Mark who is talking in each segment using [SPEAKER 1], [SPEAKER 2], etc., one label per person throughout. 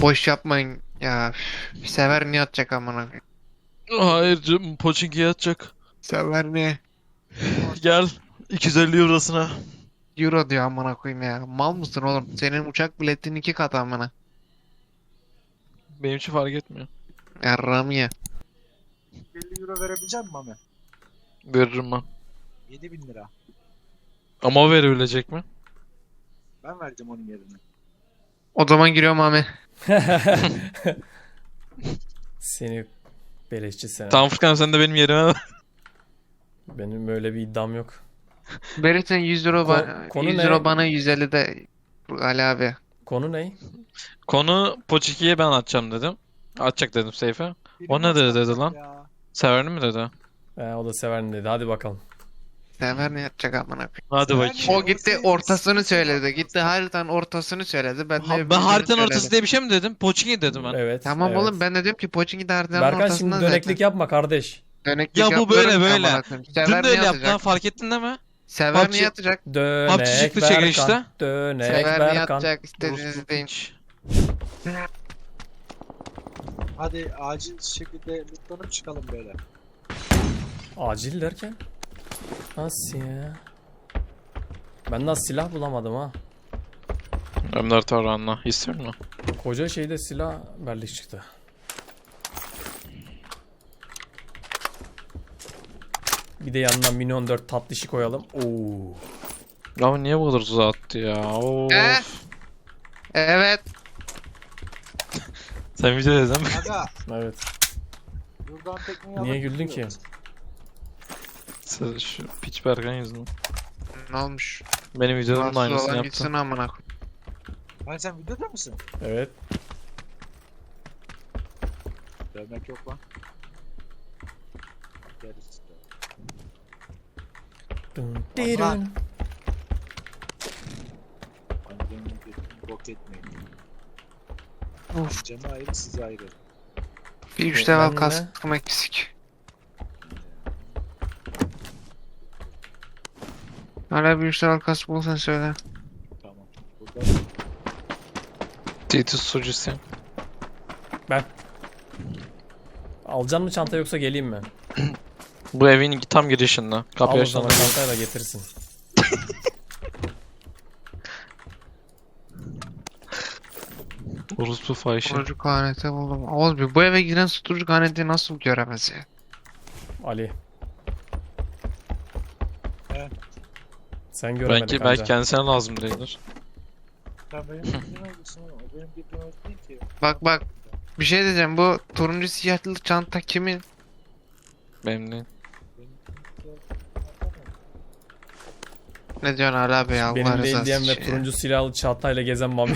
[SPEAKER 1] Boş yapmayın ya. Üf. Sever niye atacak amına koyayım?
[SPEAKER 2] Hayır canım, Pochinki'ye atacak.
[SPEAKER 1] Sever niye?
[SPEAKER 2] Gel 250 eurosuna.
[SPEAKER 1] Euro diyor amına koyayım ya. Mal mısın oğlum? Senin uçak biletinin 2 katı amına.
[SPEAKER 2] Benim için fark etmiyor.
[SPEAKER 1] Yarram ye.
[SPEAKER 3] 50 euro verebilecek misin Mami?
[SPEAKER 2] Veririm ben.
[SPEAKER 3] 7.000 lira.
[SPEAKER 2] Ama o verebilecek mi?
[SPEAKER 3] Ben vereceğim onun yerine.
[SPEAKER 1] O zaman giriyorum abi.
[SPEAKER 4] Seni beleşçi sen.
[SPEAKER 2] Tamam Furkan, sen de benim yerime ver.
[SPEAKER 4] Benim öyle bir iddiam yok.
[SPEAKER 1] Verirsen 100 euro,
[SPEAKER 4] Konu
[SPEAKER 1] 100
[SPEAKER 4] ne?
[SPEAKER 1] euro bana, 150 de Ali abi.
[SPEAKER 4] Konu ne?
[SPEAKER 2] Konu Pochinki'ye ben atacağım dedim. Atacak dedim Seyfe. O ne dedi lan?
[SPEAKER 3] Ya.
[SPEAKER 2] Severini mi dedi?
[SPEAKER 4] O da severim dedi. Hadi bakalım.
[SPEAKER 1] Sever niye atacak amına koyayım?
[SPEAKER 2] Hadi
[SPEAKER 3] Sever
[SPEAKER 2] bakayım.
[SPEAKER 3] mi?
[SPEAKER 1] O gitti ortasını söyledi. Gitti haritanın ortasını söyledi. Ben de
[SPEAKER 2] Ben
[SPEAKER 1] öbürünü
[SPEAKER 2] haritanın
[SPEAKER 1] söyledim.
[SPEAKER 2] ortası diye bir şey mi dedim? Pochinki dedim ben.
[SPEAKER 4] Evet.
[SPEAKER 1] Tamam
[SPEAKER 4] evet.
[SPEAKER 1] oğlum, ben de diyorum ki Pochinki de haritanın
[SPEAKER 4] Berkan
[SPEAKER 1] ortasından
[SPEAKER 4] şimdi döneklik
[SPEAKER 1] zaten.
[SPEAKER 4] yapma kardeş.
[SPEAKER 1] Döneklik
[SPEAKER 2] Ya bu
[SPEAKER 1] yapmıyorum
[SPEAKER 2] böyle
[SPEAKER 1] ki
[SPEAKER 2] böyle.
[SPEAKER 1] amına koyayım.
[SPEAKER 2] Dün
[SPEAKER 1] Sever
[SPEAKER 2] de
[SPEAKER 1] niye
[SPEAKER 2] öyle yaptın
[SPEAKER 1] atacak?
[SPEAKER 2] lan, fark ettin değil mi?
[SPEAKER 1] Sever
[SPEAKER 2] PUBG
[SPEAKER 1] niye atacak?
[SPEAKER 4] Dönek
[SPEAKER 2] çıktı
[SPEAKER 4] Berkan.
[SPEAKER 2] çekilişte.
[SPEAKER 4] Dönek
[SPEAKER 1] Sever niye
[SPEAKER 4] Berkan.
[SPEAKER 1] atacak? İstediğinizi deyin.
[SPEAKER 2] Hiç.
[SPEAKER 3] Hadi acil şekilde lootlanıp çıkalım böyle.
[SPEAKER 4] Acil derken? Nasıl ya? Ben daha silah bulamadım ha.
[SPEAKER 2] Ömer Tarhan'la istiyor mu?
[SPEAKER 4] Koca şeyde silah berlik çıktı. Bir de yanından Mini 14 tatlışi koyalım. Oo.
[SPEAKER 2] Ya niye bu kadar uzağa attı ya? Of.
[SPEAKER 1] Evet.
[SPEAKER 2] Sen video dedin mi?
[SPEAKER 3] Aga
[SPEAKER 4] Evet.
[SPEAKER 3] buradan tekneyi
[SPEAKER 4] Niye
[SPEAKER 3] alıp
[SPEAKER 4] güldün ki?
[SPEAKER 3] gidiyoruz.
[SPEAKER 2] Sen şu piç Berkan yüzünden.
[SPEAKER 1] Ne olmuş?
[SPEAKER 2] Benim videomun da
[SPEAKER 1] Rahatsız
[SPEAKER 2] aynısını
[SPEAKER 1] olan
[SPEAKER 2] yaptı.
[SPEAKER 1] gitsin amına koyayım.
[SPEAKER 3] Hani sen videoda mısın?
[SPEAKER 4] Evet.
[SPEAKER 3] Dövmek yok lan. Deriz.
[SPEAKER 4] Dın,
[SPEAKER 3] Aman.
[SPEAKER 4] dirun.
[SPEAKER 3] Hani benim bir bok etmeyin.
[SPEAKER 1] Of.
[SPEAKER 3] Cem'i ayrı sizi ayrı.
[SPEAKER 1] Bir 3
[SPEAKER 4] Ben
[SPEAKER 1] level
[SPEAKER 4] de-
[SPEAKER 1] kaskım eksik. Hala bir 3 level kask bulursan söyle.
[SPEAKER 3] Tamam. Burada
[SPEAKER 2] Titus sucusu.
[SPEAKER 4] Alacaksın mı çanta yoksa geleyim mi?
[SPEAKER 2] Bu evin tam girişinde.
[SPEAKER 4] Al
[SPEAKER 2] Kapıyı
[SPEAKER 4] o
[SPEAKER 2] açtığında.
[SPEAKER 4] zaman çantayı da getirsin.
[SPEAKER 2] Orospu fahişe.
[SPEAKER 1] Susturucu kaneti buldum. Oğlum bu eve giren susturucu kaneti nasıl göremez ya?
[SPEAKER 4] Ali.
[SPEAKER 3] Evet.
[SPEAKER 4] Sen göremedin
[SPEAKER 2] Belki
[SPEAKER 4] kanka.
[SPEAKER 2] kendisine lazım değildir.
[SPEAKER 3] sen benim bildiğim olursun ama o benim bildiğim öyle değil ki.
[SPEAKER 1] Bak. Bir şey diyeceğim, bu turuncu siyahlı çanta kimin?
[SPEAKER 2] Benim değil.
[SPEAKER 3] Benim
[SPEAKER 1] Ne diyorsun Ali abi ya? Allah
[SPEAKER 4] Benim değil
[SPEAKER 1] rızası
[SPEAKER 4] diyen ve
[SPEAKER 1] için ya.
[SPEAKER 4] turuncu silahlı çantayla gezen Mami.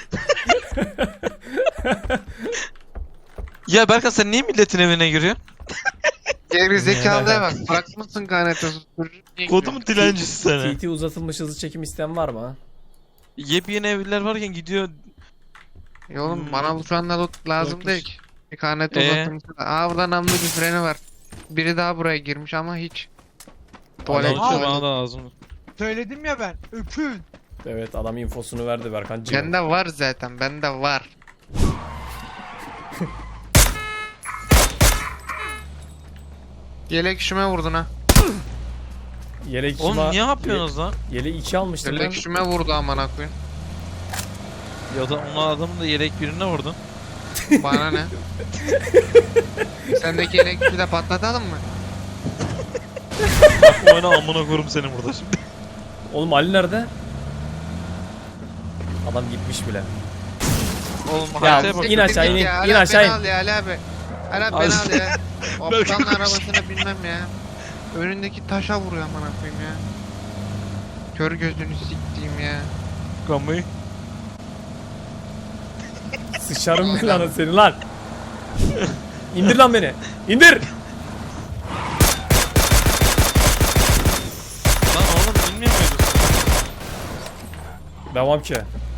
[SPEAKER 2] Ya Berkan, sen niye milletin evine giriyorsun?
[SPEAKER 1] Geri zekalıya bak. Bırakmışsın kaneti susturucu. Niye
[SPEAKER 2] Kodumun
[SPEAKER 1] giriyorsun?
[SPEAKER 2] dilencisi seni.
[SPEAKER 4] TT uzatılmış hızlı çekim isteyen var mı?
[SPEAKER 2] Yepyeni evliler varken gidiyor.
[SPEAKER 1] Ya oğlum bana bu şu anda loot lazım
[SPEAKER 2] Korkunç.
[SPEAKER 1] değil ki. Bir kaneti
[SPEAKER 2] Ee?
[SPEAKER 1] uzatılmış. Aa, burada namlu bir freni var. Biri daha buraya girmiş ama hiç. Tuvalet
[SPEAKER 2] Bana
[SPEAKER 1] tuvalet.
[SPEAKER 2] da lazım.
[SPEAKER 3] Söyledim ya ben. Öpün.
[SPEAKER 4] Evet, adam infosunu verdi Berkancığım.
[SPEAKER 1] Bende var zaten, bende var. Yelek işime vurdun ha.
[SPEAKER 4] Yelek
[SPEAKER 2] Oğlum niye yapıyorsunuz lan?
[SPEAKER 4] Yelek 2 almıştım ben.
[SPEAKER 1] Yelek işime vurdu amına koyayım.
[SPEAKER 2] Ya da onun adamın da yelek birine vurdun.
[SPEAKER 1] Bana ne? Sendeki yelek işi de patlatalım mı?
[SPEAKER 2] Oyna amına korum seni burada şimdi.
[SPEAKER 4] Oğlum Ali nerede? Adam gitmiş bile.
[SPEAKER 2] Oğlum
[SPEAKER 4] Ya,
[SPEAKER 2] haritaya bak.
[SPEAKER 4] in aşağı, in,
[SPEAKER 1] Ya,
[SPEAKER 4] in
[SPEAKER 1] Ali abi,
[SPEAKER 4] aşağı
[SPEAKER 1] beni
[SPEAKER 4] in.
[SPEAKER 1] al ya Ali abi. Ali abi
[SPEAKER 2] Al.
[SPEAKER 1] beni al ya.
[SPEAKER 2] Belki
[SPEAKER 1] Aptalın
[SPEAKER 2] koş.
[SPEAKER 1] arabasına binmem ya. Önündeki taşa vuruyor amına koyayım ya. Kör gözünü siktiğim ya.
[SPEAKER 2] Kamayı.
[SPEAKER 4] Sıçarım belanı seni lan. İndir lan beni. İndir.
[SPEAKER 2] Lan oğlum bilmiyor muydun?
[SPEAKER 4] Devam ki.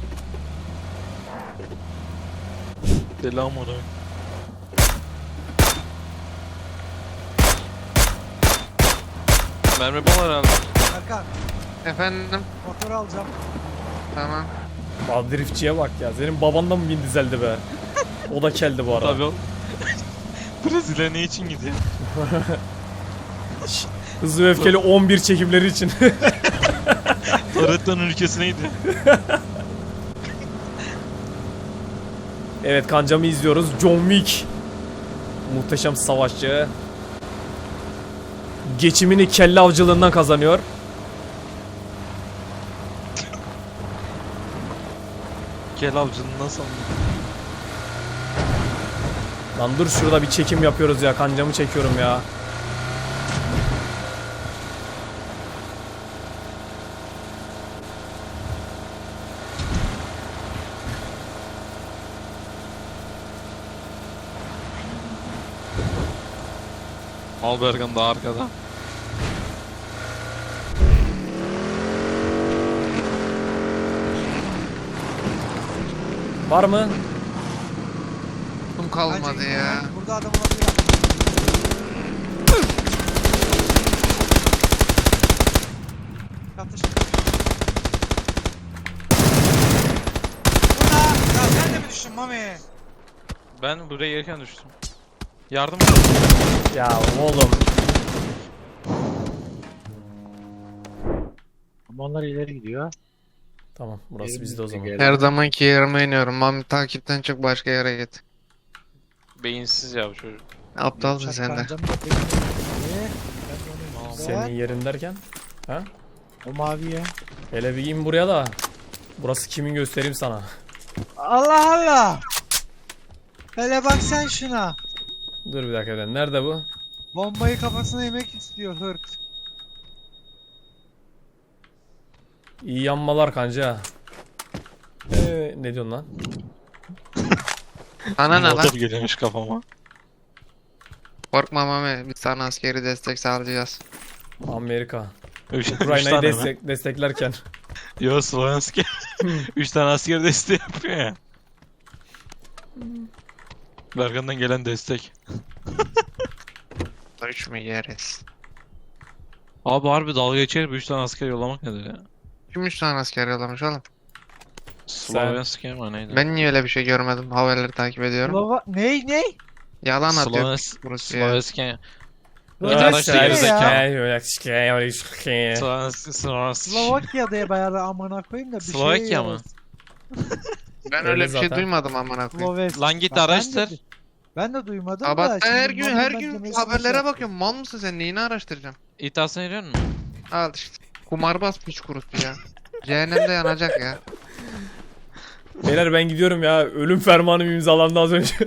[SPEAKER 2] Deli amına. Mermi bal herhalde.
[SPEAKER 3] Erkan
[SPEAKER 1] Efendim?
[SPEAKER 3] motoru alacağım.
[SPEAKER 1] Tamam.
[SPEAKER 4] Bak driftçiye bak ya. Senin baban da mı bin dizeldi be? O da keldi bu arada.
[SPEAKER 2] Tabii o. Brezilya ne için gidiyor?
[SPEAKER 4] Hızlı ve Öfkeli 11 çekimleri için.
[SPEAKER 2] Toretto'nun ülkesine gidiyor.
[SPEAKER 4] Evet, kancamı izliyoruz. John Wick. Muhteşem savaşçı. Geçimini kelle avcılığından kazanıyor.
[SPEAKER 2] Gel avcının nasıl
[SPEAKER 4] Lan dur, şurada bir çekim yapıyoruz ya. Kancamı çekiyorum ya.
[SPEAKER 2] Malbergen daha arkada.
[SPEAKER 4] Var mı?
[SPEAKER 1] Kum kalmadı ya.
[SPEAKER 5] Burada adam olabilir. Yatış. Burada. Ya sen de mi düştün Mami?
[SPEAKER 2] Ben buraya gelirken düştüm. Yardım
[SPEAKER 4] Ya oğlum.
[SPEAKER 3] Ama onlar ileri gidiyor.
[SPEAKER 4] Tamam, burası
[SPEAKER 3] Yerimiz
[SPEAKER 4] bizde o zaman.
[SPEAKER 3] geldi.
[SPEAKER 1] Her zamanki yerime iniyorum. Mami takipten çık başka yere git.
[SPEAKER 2] Beyinsiz ya bu çocuk.
[SPEAKER 1] Aptalsın sen de.
[SPEAKER 3] Kancamı da bekliyorum. Ben de onu
[SPEAKER 4] Senin yerin derken? Ha?
[SPEAKER 3] O maviye.
[SPEAKER 4] Hele bir in buraya da. Burası kimin göstereyim sana.
[SPEAKER 5] Allah Allah. Hele bak sen şuna.
[SPEAKER 4] Dur bir dakika, nerede bu?
[SPEAKER 5] Bombayı kafasına yemek istiyor hırt.
[SPEAKER 4] İyi yanmalar kanca. Ne diyorsun lan?
[SPEAKER 1] Sana ne lan?
[SPEAKER 2] Motor geliyormuş kafama.
[SPEAKER 1] Korkma Mami. Biz sana askeri destek sağlayacağız.
[SPEAKER 4] Amerika.
[SPEAKER 2] Üç
[SPEAKER 4] Ukrayna'yı
[SPEAKER 2] tane mi?
[SPEAKER 4] desteklerken.
[SPEAKER 2] Yo, Slovenski. 3 tane asker desteği yapıyor ya. Bergen'den gelen destek.
[SPEAKER 1] 3 mü yeriz?
[SPEAKER 2] Abi harbi dalga geçer 3 tane asker yollamak nedir ya?
[SPEAKER 1] Kim 3 tane asker yollamış oğlum?
[SPEAKER 2] Slovenski mi neydi?
[SPEAKER 1] Ben niye öyle bir şey görmedim? Haberleri takip ediyorum.
[SPEAKER 5] Slova... Ney?
[SPEAKER 1] Yalan atıyor
[SPEAKER 2] Slovenski.
[SPEAKER 1] Rusya.
[SPEAKER 2] Slovenski.
[SPEAKER 5] Slovenski
[SPEAKER 2] araçta
[SPEAKER 5] ne ya?
[SPEAKER 2] Slovenski.
[SPEAKER 5] Slovakya'da bayağı amına koyayım da bir
[SPEAKER 2] Slovakya
[SPEAKER 5] şey
[SPEAKER 2] mı?
[SPEAKER 1] Ben
[SPEAKER 4] Öyle
[SPEAKER 1] öyle bir şey
[SPEAKER 4] zaten.
[SPEAKER 1] duymadım amına koyayım.
[SPEAKER 5] Slovenya.
[SPEAKER 2] Lan git
[SPEAKER 5] Ben de-
[SPEAKER 2] araştır.
[SPEAKER 5] Ben de duymadım
[SPEAKER 1] Aa
[SPEAKER 5] da.
[SPEAKER 1] bak ben her
[SPEAKER 5] şimdi
[SPEAKER 1] gün
[SPEAKER 5] Mami
[SPEAKER 1] her
[SPEAKER 5] bence
[SPEAKER 1] gün
[SPEAKER 5] mesela
[SPEAKER 1] haberlere
[SPEAKER 5] şey-
[SPEAKER 1] bakıyorum. Mal mısın sen? Neyini araştıracağım?
[SPEAKER 2] İddiasına giriyor musun?
[SPEAKER 1] Al işte. Kumarbaz piç kurusu ya. Cehennemde yanacak ya.
[SPEAKER 4] Beyler ben gidiyorum ya. Ölüm fermanım imzalandı az önce.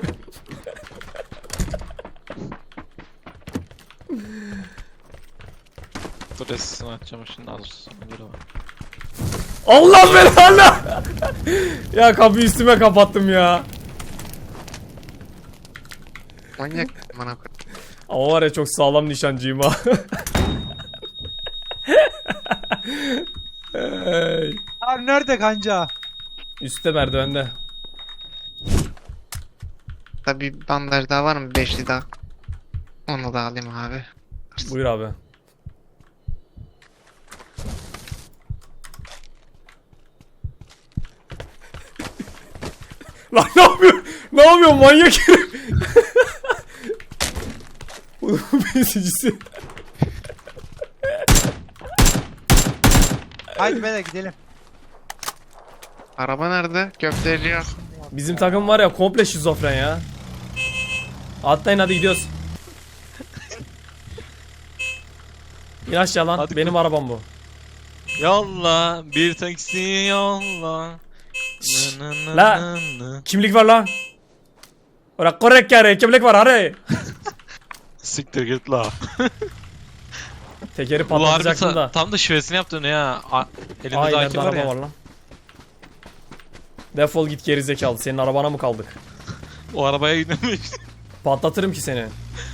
[SPEAKER 2] Dur resmini açacağım şimdi az sonra.
[SPEAKER 4] Allah belanı! Ya kapıyı üstüme kapattım ya.
[SPEAKER 1] Manyak amına koyayım.
[SPEAKER 4] Ama var ya, çok sağlam nişancıyım ha. Hey.
[SPEAKER 5] Abi nerede kanca?
[SPEAKER 4] Üstte merdivende.
[SPEAKER 1] Tabi bir bandaj daha var mı? Beşli daha. Onu da alayım abi.
[SPEAKER 4] Buyur abi. Lan ne yapıyor? Ne yapıyor manyak herif? Bunun besicisi.
[SPEAKER 5] Haydi beyler gidelim.
[SPEAKER 1] Araba nerede? Köfteci yok.
[SPEAKER 4] Bizim takım var ya, komple şizofren ya. Atlayın hadi gidiyoruz. İn aşağı lan.
[SPEAKER 2] Hadi
[SPEAKER 4] Benim arabam bu.
[SPEAKER 2] Yolla bir taksi yolla.
[SPEAKER 4] Şşş,
[SPEAKER 2] Nı nı
[SPEAKER 4] la.
[SPEAKER 2] nı nı.
[SPEAKER 4] Kimlik var lan. Ora korrek kare. Kimlik var hadi.
[SPEAKER 2] Siktir git la.
[SPEAKER 4] Tekeri
[SPEAKER 2] Bu harbi
[SPEAKER 4] patlatacaktım da.
[SPEAKER 2] tam da şivesini yaptın ya. Elimde
[SPEAKER 4] Aynen,
[SPEAKER 2] AK var
[SPEAKER 4] araba
[SPEAKER 2] ya.
[SPEAKER 4] var lan. Defol git gerizekalı. Senin arabana mı kaldık?
[SPEAKER 2] O arabaya gidemeyiz.
[SPEAKER 4] Patlatırım ki seni.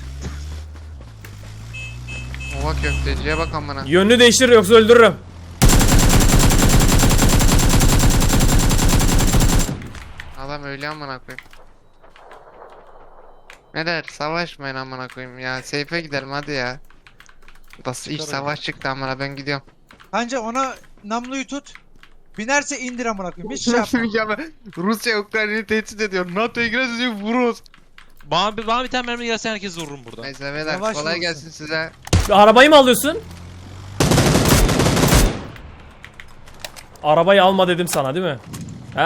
[SPEAKER 1] Ova köfteciye bak amına.
[SPEAKER 4] Yönünü değiştir yoksa öldürürüm.
[SPEAKER 1] Adam öyle amına koyayım. Ne der? Savaşmayın amına koyayım ya. Seyfe gidelim hadi ya. Nasıl iç savaş çıktı amına, ben gidiyorum.
[SPEAKER 5] Kanca ona namluyu tut. Binerse indir amına koyayım. Hiç şey yapma.
[SPEAKER 1] Ya ben- Rusya Ukrayna'yı tehdit ediyor. NATO'ya gireriz diyor vururuz.
[SPEAKER 2] Bana bir tane mermi gelse herkes vururum burada.
[SPEAKER 1] Neyse beyler
[SPEAKER 5] Yavaş
[SPEAKER 1] kolay
[SPEAKER 5] olsun.
[SPEAKER 1] gelsin size.
[SPEAKER 4] Arabayı mı alıyorsun? Arabayı alma dedim sana değil mi? He?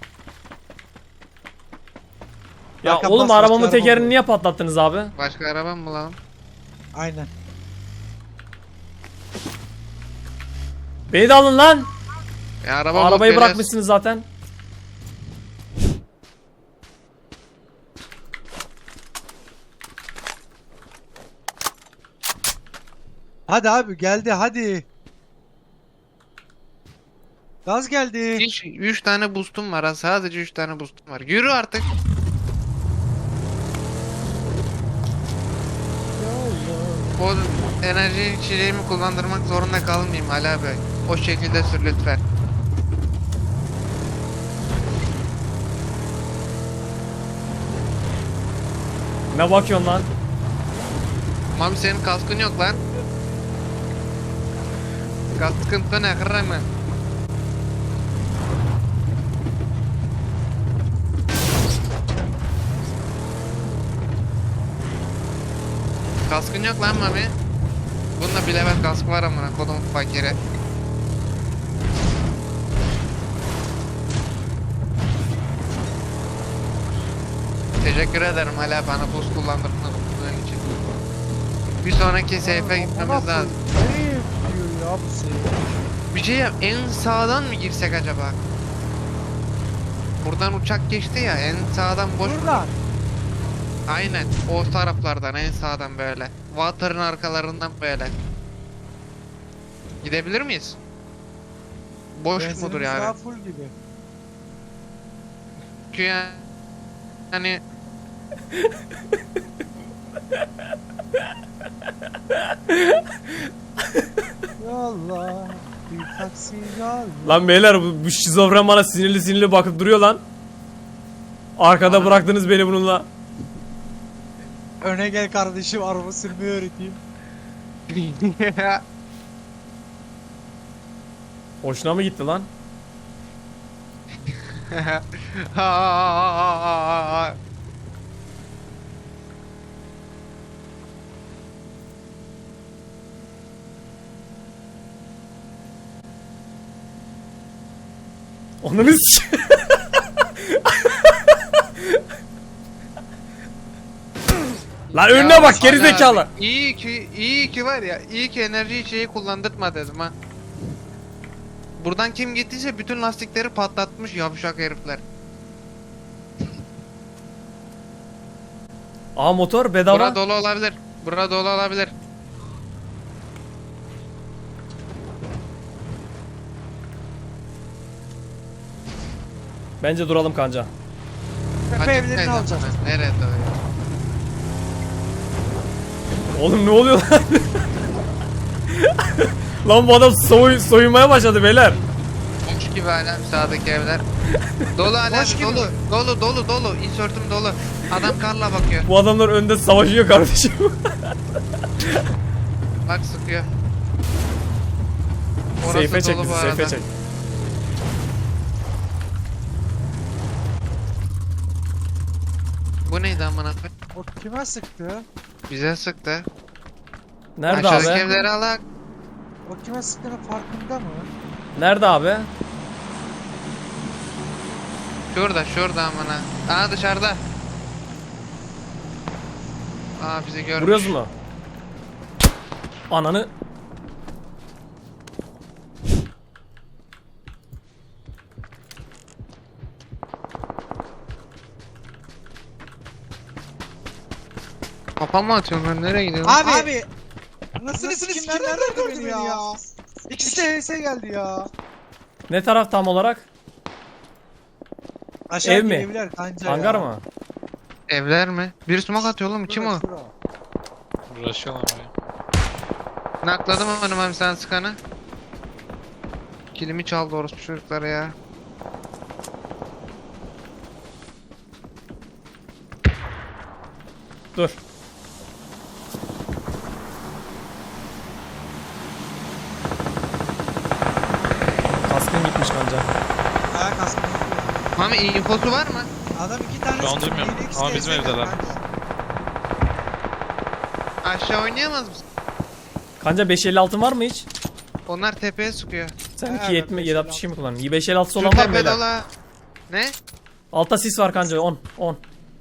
[SPEAKER 4] Ya
[SPEAKER 5] Hakan,
[SPEAKER 4] oğlum
[SPEAKER 5] bas,
[SPEAKER 4] arabamın
[SPEAKER 5] başka
[SPEAKER 4] tekerini
[SPEAKER 5] araba
[SPEAKER 4] niye patlattınız abi?
[SPEAKER 1] Başka araba mı bulalım?
[SPEAKER 5] Aynen.
[SPEAKER 4] Beni de alın lan.
[SPEAKER 1] Araba bulup
[SPEAKER 4] Arabayı
[SPEAKER 1] geliyoruz.
[SPEAKER 4] bırakmışsınız zaten.
[SPEAKER 5] Hadi abi geldi hadi. Gaz geldi.
[SPEAKER 1] Hiç 3 tane boostum var ha. Sadece 3 tane boostum var. Yürü artık. O enerji içeceğimi kullandırmak zorunda kalmayayım Ali abi. O şekilde sür lütfen.
[SPEAKER 4] Ne bakıyorsun lan?
[SPEAKER 1] Mami senin kaskın yok lan. Kaskın ne kırarım ben. Kaskın yok lan Mami. Bunda bir level kask var amına kodum fakire. Teşekkür ederim hala bana boost kullandırdığın için. Bir sonraki safe'e gitmemiz lazım.
[SPEAKER 5] Nereye gidiyor ya bu şey?
[SPEAKER 1] Bir şey yap, en sağdan mı girsek acaba? Buradan uçak geçti ya, en sağdan boş.
[SPEAKER 5] Buradan.
[SPEAKER 1] Aynen, o taraflardan en sağdan böyle. Water'ın arkalarından böyle. Gidebilir miyiz? Boş
[SPEAKER 5] Benzinimiz
[SPEAKER 1] mudur
[SPEAKER 5] daha
[SPEAKER 1] yani?
[SPEAKER 5] full gibi.
[SPEAKER 1] Çünkü yani
[SPEAKER 5] Yolla. Bir taksi yolla.
[SPEAKER 4] Lan beyler bu şizofren bana sinirli sinirli bakıp duruyor lan. Arkada
[SPEAKER 1] Ana.
[SPEAKER 4] bıraktınız beni bununla.
[SPEAKER 5] Öne gel kardeşim araba sürmeyi öğreteyim.
[SPEAKER 4] Hoşuna mı gitti lan? Ananı s- Lan önüne
[SPEAKER 1] Ya
[SPEAKER 4] bak geri
[SPEAKER 1] Ali
[SPEAKER 4] zekalı.
[SPEAKER 1] abi, iyi ki var ya, iyi ki enerji içeceği kullandırtma dedim ha. Buradan kim gittiyse bütün lastikleri patlatmış yavşak herifler.
[SPEAKER 4] Aa motor bedava.
[SPEAKER 1] Bura dolu olabilir. Bura dolu olabilir.
[SPEAKER 4] Bence duralım kanca.
[SPEAKER 5] Tepe
[SPEAKER 1] Açık
[SPEAKER 5] evlerini
[SPEAKER 1] neydi
[SPEAKER 5] alacağız.
[SPEAKER 1] amına? Nereye doğru?
[SPEAKER 4] Oğlum ne oluyor lan? Lan bu adam soyunmaya başladı beyler.
[SPEAKER 1] Boş gibi hala sağdaki evler. Dolu hala
[SPEAKER 5] Boş gibi.
[SPEAKER 1] dolu. Insert'üm dolu. Adam karla bakıyor.
[SPEAKER 4] Bu adamlar önde savaşıyor kardeşim.
[SPEAKER 1] Bak sıkıyor.
[SPEAKER 4] Seyfe çek
[SPEAKER 1] dolu
[SPEAKER 4] bizi,
[SPEAKER 1] bu
[SPEAKER 4] seyfe
[SPEAKER 1] arada.
[SPEAKER 4] çek.
[SPEAKER 1] Bu neydi amına koyayım?
[SPEAKER 5] O kime sıktı?
[SPEAKER 1] Bize sıktı.
[SPEAKER 4] Nerede
[SPEAKER 1] Aşağıdaki
[SPEAKER 4] abi?
[SPEAKER 1] evleri alak.
[SPEAKER 5] O kime sıktığının farkında mı?
[SPEAKER 4] Nerede abi?
[SPEAKER 1] Şurada amına. Aa dışarıda. Aa bizi görmüş.
[SPEAKER 4] Vuruyoruz mu? Ananı.
[SPEAKER 1] Kafa mı atıyorsun lan? Nereye gidiyorsun?
[SPEAKER 5] Abi. Nasıl sikim nereden gördü beni ya? İkisi de HS geldi ya.
[SPEAKER 4] Ne taraf tam olarak?
[SPEAKER 5] Aşağı
[SPEAKER 4] Ev mi?
[SPEAKER 5] evler kanca
[SPEAKER 4] Hangar
[SPEAKER 5] ya.
[SPEAKER 4] mı?
[SPEAKER 1] Evler mi? Bir smoke atıyor oğlum. Kim o?
[SPEAKER 5] Şura.
[SPEAKER 2] Uğraşıyorlar buraya.
[SPEAKER 1] Nakladım hanım abi sen sıkanı. Kilimi çaldı orospu çocukları ya.
[SPEAKER 4] Dur. Kaskın gitmiş kanca.
[SPEAKER 1] Mami infosu var mı?
[SPEAKER 5] Adam 2 tane
[SPEAKER 2] Şu an
[SPEAKER 5] sıktı,
[SPEAKER 2] duymuyorum.
[SPEAKER 5] biri ikisi
[SPEAKER 2] Ama
[SPEAKER 5] de
[SPEAKER 2] bizim
[SPEAKER 5] ES geldi
[SPEAKER 2] evdeler.
[SPEAKER 5] kanka.
[SPEAKER 1] Aşağı oynayamaz mısın?
[SPEAKER 4] Kanca 556 var mı hiç?
[SPEAKER 1] Onlar tepeye sıkıyor.
[SPEAKER 4] Sen
[SPEAKER 5] Evet,
[SPEAKER 4] 270
[SPEAKER 5] 556.
[SPEAKER 4] 762 mi kullandın? 556
[SPEAKER 1] Şu
[SPEAKER 4] olan var mı
[SPEAKER 1] tepe
[SPEAKER 4] beyler?
[SPEAKER 1] dola. Ne?
[SPEAKER 4] Altta sis var kanca 10 10.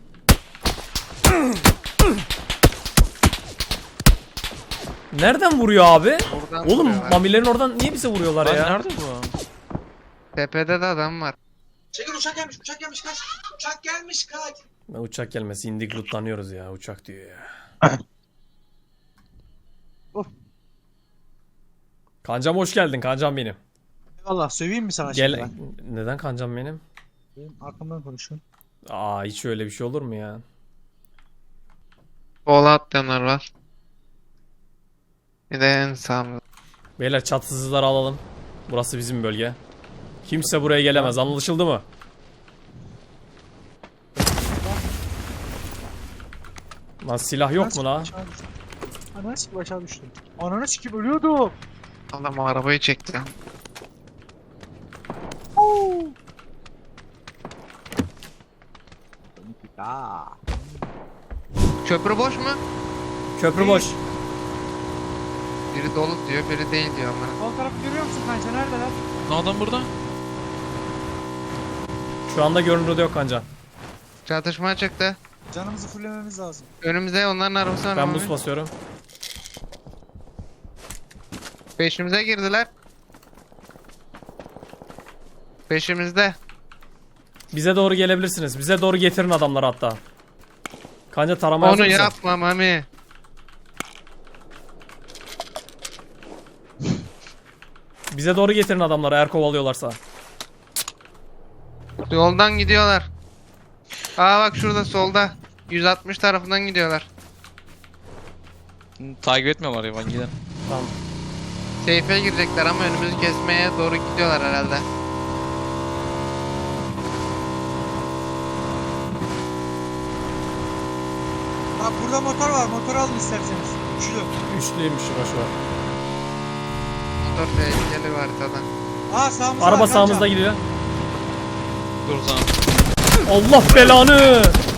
[SPEAKER 4] Nereden vuruyor abi?
[SPEAKER 1] Buradan
[SPEAKER 4] Oğlum
[SPEAKER 1] vuruyorlar.
[SPEAKER 4] mamilerin oradan niye bize vuruyorlar
[SPEAKER 2] Lan
[SPEAKER 4] ya?
[SPEAKER 2] nerede bu?
[SPEAKER 1] Tepede de adam var.
[SPEAKER 5] Çekil uçak gelmiş kaç. Uçak gelmiş kaç.
[SPEAKER 4] Ne uçak gelmesi indik lootlanıyoruz ya uçak diyor ya.
[SPEAKER 5] Of.
[SPEAKER 4] Kancam hoş geldin kancam benim.
[SPEAKER 5] Eyvallah söveyim mi sana şimdi
[SPEAKER 4] Gel
[SPEAKER 5] ben?
[SPEAKER 4] neden kancam benim?
[SPEAKER 5] Benim arkamdan konuşun.
[SPEAKER 4] Aa hiç öyle bir şey olur mu ya?
[SPEAKER 1] Sola atlayanlar var. Bir de en sağımda.
[SPEAKER 4] Beyler çatısızları alalım. Burası bizim bölge. Kimse buraya gelemez anlaşıldı mı? Lan silah yok mu la?
[SPEAKER 5] Ananı sikip aşağı düştüm. Ananı sikip ölüyordum.
[SPEAKER 1] Adam arabayı çekti.
[SPEAKER 5] Aa.
[SPEAKER 1] Köprü boş mu?
[SPEAKER 4] Köprü boş.
[SPEAKER 1] Biri dolu diyor, biri değil diyor ama.
[SPEAKER 5] Sol tarafı görüyor musun kanka? Neredeler?
[SPEAKER 2] Ne adam burada?
[SPEAKER 4] Şu anda görünürde yok kanca.
[SPEAKER 1] Çatışma çıktı.
[SPEAKER 5] Canımızı fullememiz lazım.
[SPEAKER 1] Önümüzde onların arabası var.
[SPEAKER 4] Ben
[SPEAKER 1] Mami.
[SPEAKER 4] buz basıyorum.
[SPEAKER 1] Peşimize girdiler. Peşimizde.
[SPEAKER 4] Bize doğru gelebilirsiniz. Bize doğru getirin adamları hatta. Kanca tarama hazır
[SPEAKER 1] Onu
[SPEAKER 4] mısın?
[SPEAKER 1] yapma Mami.
[SPEAKER 4] Bize doğru getirin adamları eğer kovalıyorlarsa.
[SPEAKER 1] Yoldan gidiyorlar. Aa bak şurada solda. 160 tarafından gidiyorlar.
[SPEAKER 2] Takip etmiyorlar ya ben gidelim.
[SPEAKER 4] Tamam.
[SPEAKER 1] Seyfe girecekler ama önümüzü kesmeye doğru gidiyorlar herhalde.
[SPEAKER 5] Bak burada motor var. Motor alın isterseniz. Üçlü.
[SPEAKER 4] Üçlüymüş boşver.
[SPEAKER 1] Motor tehlikeli bir haritadan.
[SPEAKER 5] Aa sağımızda
[SPEAKER 4] Araba
[SPEAKER 5] var,
[SPEAKER 4] sağımızda
[SPEAKER 5] kanka.
[SPEAKER 4] gidiyor.
[SPEAKER 2] Dur sana.
[SPEAKER 4] Allah belanı.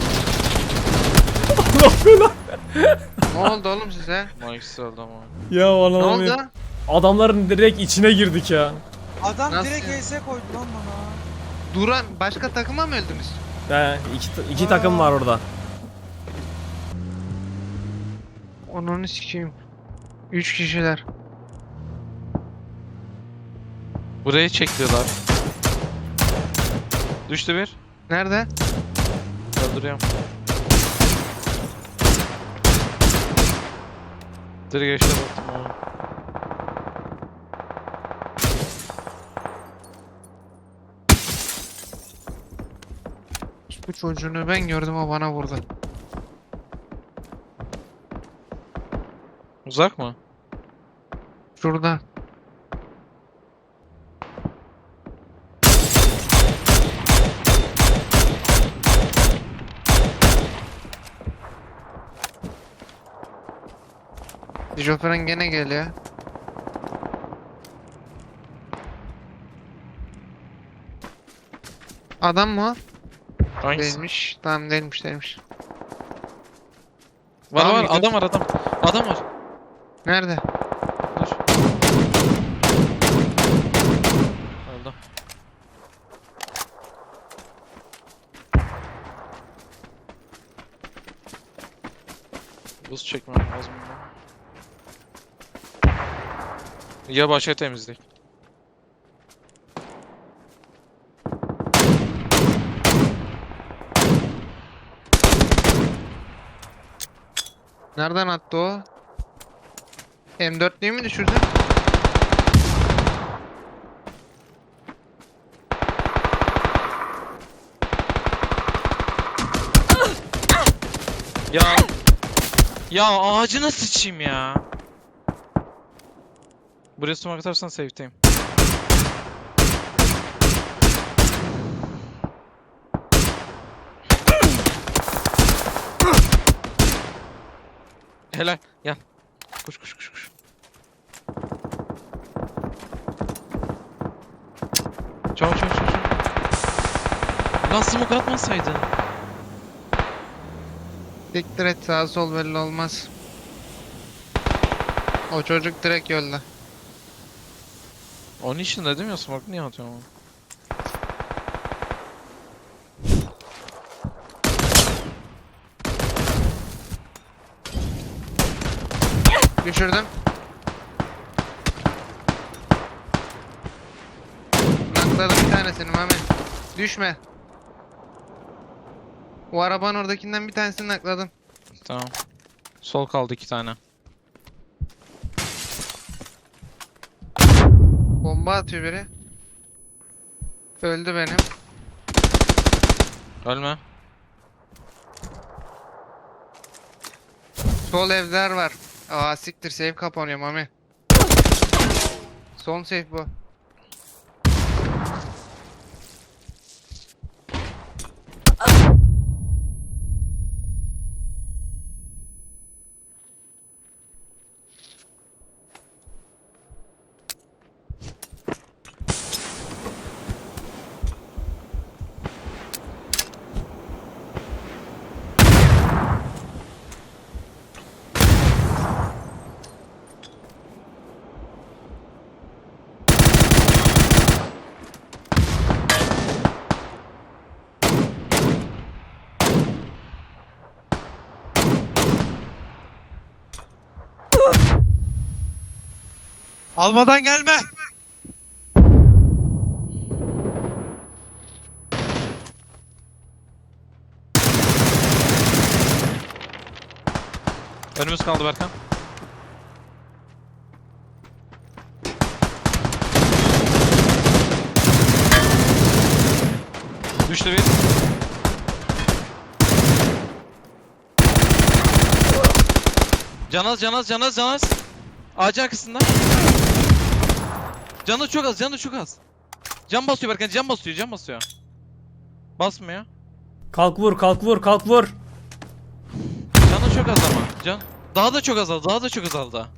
[SPEAKER 4] Allah belanı.
[SPEAKER 1] Ne oldu oğlum size?
[SPEAKER 2] Mike'si öldü ama.
[SPEAKER 4] Ya
[SPEAKER 1] Ne
[SPEAKER 4] Allah'ım.
[SPEAKER 1] oldu?
[SPEAKER 4] Adamların direkt içine girdik ya.
[SPEAKER 5] Adam
[SPEAKER 1] Nasıl
[SPEAKER 5] direkt
[SPEAKER 1] ya?
[SPEAKER 5] ES koydu lan bana.
[SPEAKER 1] Duran başka takıma mı öldünüz?
[SPEAKER 4] He, iki takım var orada.
[SPEAKER 1] Onu sikeyim. 3 kişiler.
[SPEAKER 2] Burayı çektiler. Düştü bir.
[SPEAKER 1] Nerede?
[SPEAKER 2] Öldürüyorum. Direkt geçti baktım abi.
[SPEAKER 1] Bu çocuğunu ben gördüm, o bana vurdu.
[SPEAKER 2] Uzak mı?
[SPEAKER 1] Şurada. Şoförün gene geliyor. Adam mı o?
[SPEAKER 2] Hangisi?
[SPEAKER 1] Değilmiş. Tamam değilmiş.
[SPEAKER 2] Var
[SPEAKER 1] Tamam,
[SPEAKER 2] var
[SPEAKER 1] gidiyor.
[SPEAKER 2] adam var adam. Adam var.
[SPEAKER 1] Nerede?
[SPEAKER 2] Dur. Öldü. Buz çekmem lazım. Ya başa temizlik.
[SPEAKER 1] Nereden attı o? M4'lüyü mü düşürdün?
[SPEAKER 2] Ya ya ağacına sıçayım ya. Buraya sumak atarsan safe'teyim. Helal gel. Koş. Çabuk. Lan smoke atmasaydın.
[SPEAKER 1] Siktir et, sağ sol belli olmaz. O çocuk direkt yolda.
[SPEAKER 2] Onun için dedim ya, smoke niye atıyorsun oğlum?
[SPEAKER 1] Düşürdüm. Nakladım bir tanesini Mami. Düşme. O arabanın oradakinden bir tanesini nakladım.
[SPEAKER 2] Tamam. Sol kaldı 2 tane.
[SPEAKER 1] Bomba atıyor biri. Öldü benim.
[SPEAKER 2] Ölme.
[SPEAKER 1] Sol evler var. Aa siktir, save kapanıyor Mami. Son save bu.
[SPEAKER 5] Almadan gelme.
[SPEAKER 2] Önümüz kaldı Berkan. Düştü bir. Canaz, canaz, canaz, canaz. Ağacın arkasında. Canı çok az, canı çok az. Can basıyor Berkan, can basıyor, can basıyor. Basmıyor.
[SPEAKER 4] Kalk vur, kalk vur, kalk vur.
[SPEAKER 2] Canı çok az ama. Can. Daha da çok azaldı, daha da çok azaldı.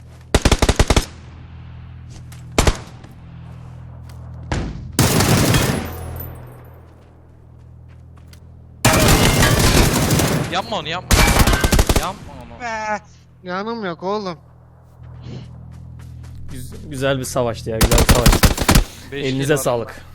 [SPEAKER 2] Yapma onu, yapma. Yapma onu.
[SPEAKER 5] Be.
[SPEAKER 1] Yanım yok oğlum.
[SPEAKER 4] Güzel bir savaştı ya, güzel bir savaştı.
[SPEAKER 2] Beş
[SPEAKER 4] Elinize
[SPEAKER 2] kill var.
[SPEAKER 4] sağlık.